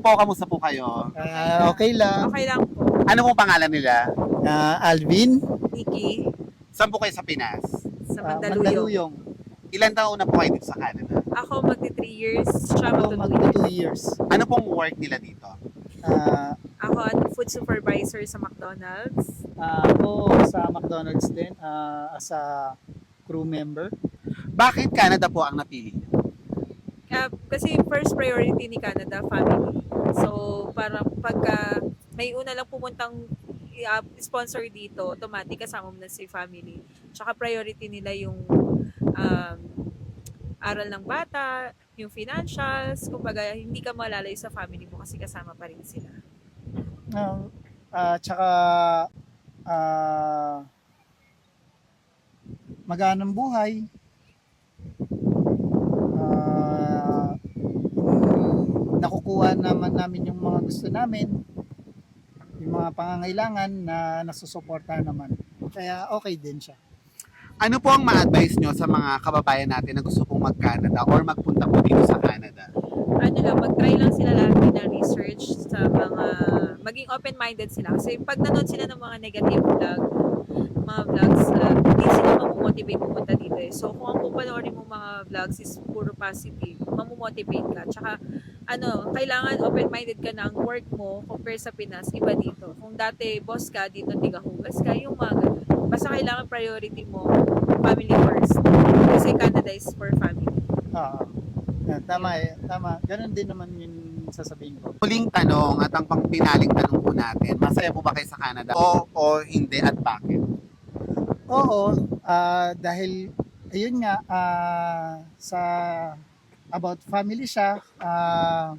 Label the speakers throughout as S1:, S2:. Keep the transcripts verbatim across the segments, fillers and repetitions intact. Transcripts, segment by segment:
S1: po, kamusta po kayo?
S2: Ah, okay lang.
S3: Okay lang po.
S1: Ano pong pangalan nila?
S2: Ah, Alvin,
S3: Nikki,
S1: Saan po kayo sa Pinas?
S3: sa
S2: ah,
S3: Mandaluyong.
S2: Mandaluyong.
S1: Ilan taon na po kayo dito sa Canada?
S3: Ako magti three years, siya
S2: Ako
S3: magti
S2: mag
S3: two years.
S2: two years.
S1: Ano pong work nila dito?
S2: Ah,
S3: Ako ano, food supervisor sa McDonald's.
S2: ah, ako sa McDonald's din ah, as a crew member.
S1: Bakit Canada po ang napili niyo?
S3: Uh, kasi first priority ni Canada, family. So, parang pagka may una lang pumuntang uh, sponsor dito, automatic kasama mo na si family. Tsaka priority nila yung um, aral ng bata, yung financials, kumbaga hindi ka malalayo sa family mo kasi kasama pa rin sila.
S2: Ah, ah, tsaka ah, maganang buhay. Ah, mm, nakukuha naman namin yung mga gusto namin, yung mga pangangailangan na nasusuportahan naman. Kaya okay din siya.
S1: Ano po ang ma-advise nyo sa mga kababayan natin na gusto pong mag-Canada or magpunta po dito sa Canada?
S3: Ano lang, mag-try lang sila lagi na research sa mga, maging open-minded sila. Kasi pag nanood sila ng mga negative vlog, mga vlogs, uh, hindi sila mamomotivate pumunta dito eh. So, kung ang pupanoorin mo mga vlogs is puro positive, mamomotivate ka. Tsaka, ano, kailangan open-minded ka na ang work mo compare sa Pinas, iba dito. Kung dati boss ka, dito tigahugas ka, yung mga ganun. Basta kailangan priority mo, family first. Kasi Canada is for family.
S2: Ah, ah, tama eh, tama. Ganun din naman yung sasabihin ko.
S1: Huling tanong at ang pangpinaling tanong po natin, masaya po ba kayo sa Canada? O, o hindi at bakit?
S2: Oo, ah, dahil ayun nga ah, sa about family siya, ah,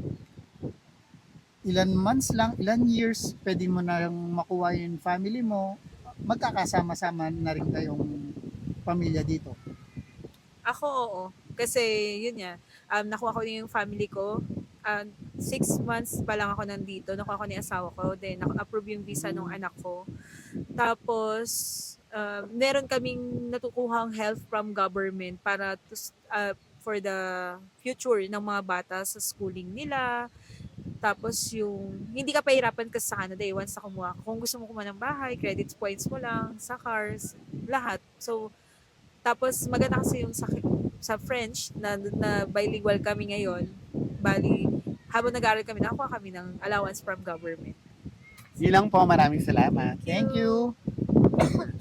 S2: ilan months lang, ilan years, pwede mo na makuha yung family mo, magkakasama-sama na rin kayong pamilya dito.
S3: Ako, oo. Kasi, yun nga, um, nakuha ko na yung family ko. Um, six months pa lang ako nandito. Nakuha ko na yung asawa ko. Then, naka-approve yung visa ng anak ko. Tapos, uh, meron kaming natukuhang help from government para to, uh, for the future ng mga bata sa schooling nila. Tapos yung, hindi ka pahirapan kasi sa Canada eh, once na kumuha. Kung gusto mo kumuha ng bahay, credit points mo lang, sa cars, lahat. So, tapos maganda kasi yung sa, sa French, na, na bilingual kami ngayon. Bali, habang nag-aaral kami, nakakuha kami ng allowance from government.
S1: Yun lang po, maraming salamat.
S2: Thank you.